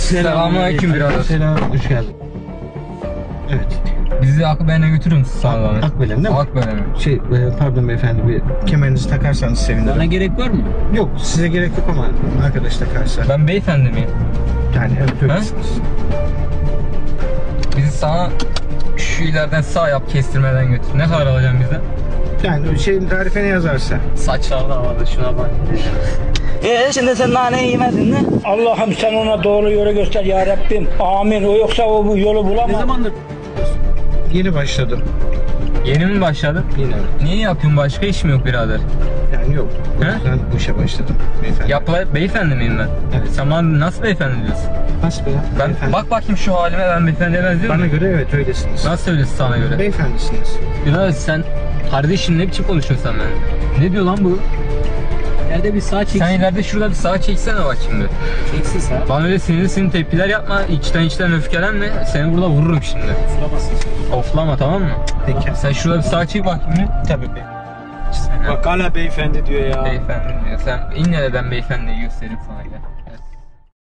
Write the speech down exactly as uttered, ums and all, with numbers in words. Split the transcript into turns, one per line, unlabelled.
Selamünaleyküm birader.
Selam, hoş geldin. Evet.
Bizi Akbelen'e götürür müsün sana zahmet?
Akbelen değil mi?
Akbelen'e.
Şey, e, pardon beyefendi, bir kemerinizi takarsanız sevinirim.
Bana gerek var mı?
Yok, size gerek yok ama arkadaş takarsa.
Ben beyefendi miyim?
Yani evet öylesiniz.
Bizi sana şu ileriden sağ yap, kestirmeden götür. Ne kadar alacaksın bizden?
Yani şeyin tarifine yazarsa.
Saçlar da havada, şuna bak.
Eee şimdi sen nane yemedin mi?
Allah'ım sen ona doğru yolu göster ya Rabbim. Amin. O yoksa o bu yolu bulamaz.
Ne zamandır?
Yeni başladım.
Yeni mi başladın?
Yine evet.
Niye yapıyorsun? Başka iş mi yok birader?
Yani yok. O
He?
yüzden bu işe başladım beyefendi.
Yapla, beyefendi miyim ben?
Evet.
Sen bana nasıl beyefendi diyorsun?
Nasıl be ya?
Ben,
Beyefendi.
bak bakayım şu halime, ben beyefendiye benziyor
Bana
muyum?
göre evet öylesiniz.
Nasıl söylüyorsun sana göre?
Beyefendisiniz.
Birader sen, kardeşim ne biçim konuşuyorsun sen benimle? Ne diyor lan bu?
Nerede bir sağ çeksin.
Sen ileride şurada bir sağa çeksene bak şimdi.
Çeksin sağ.
Bana öyle sinirli sinirli tepkiler yapma, içten içten öfkelenme. Seni burada vururum şimdi.
Sulamazsın sen.
Oflama, tamam mı?
Peki.
Sen şurada bir sağa çek bakayım.
Tabii bey.
Sen
Bak hala beyefendi diyor ya.
beyefendi diyor. Sen in nereden beyefendiyi göstereyim sana gel.